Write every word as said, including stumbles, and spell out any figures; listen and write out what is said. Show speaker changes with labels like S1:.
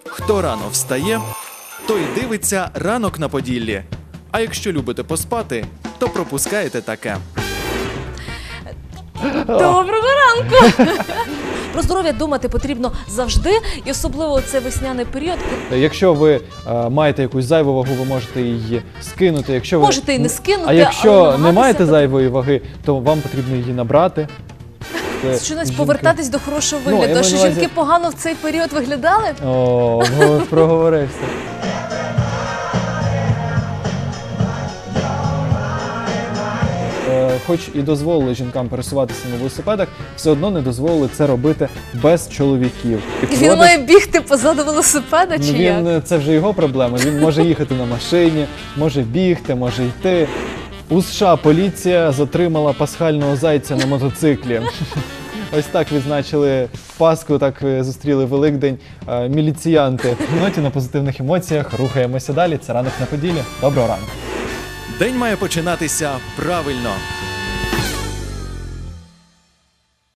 S1: Хто рано встає, той дивиться «Ранок на Поділлі». А якщо любите поспати, то пропускаєте таке.
S2: Доброго ранку! Про здоров'я думати потрібно завжди, і особливо у цей весняний період.
S3: Якщо ви е, маєте якусь зайву вагу, ви можете її скинути. Якщо ви...
S2: Можете і не скинути,
S3: А якщо
S2: але
S3: не
S2: намагатися
S3: маєте
S2: тут-
S3: зайвої ваги, то вам потрібно її набрати. Це
S2: Щонець
S3: жінки-
S2: повертатись до хорошого
S3: Ну, я
S2: вигляду.
S3: маю
S2: Що
S3: на увазі-
S2: жінки погано в цей період виглядали?
S3: О, го- проговорився. Е, Хоч і дозволили жінкам пересуватися на велосипедах, все одно не дозволили це робити без чоловіків. І
S2: І він
S3: проводить-
S2: має бігти позаду велосипеда, чи
S3: Ну,
S2: як?
S3: він, е, це вже його проблема. Він може їхати на машині, може бігти, може йти. У США поліція затримала пасхального зайця на мотоциклі. Ось так відзначили Пасху, так е, зустріли Великдень е, міліціянти. В ноті на позитивних емоціях рухаємося далі. Це «Ранок на Поділлі». Доброго ранку.
S1: День має починатися правильно.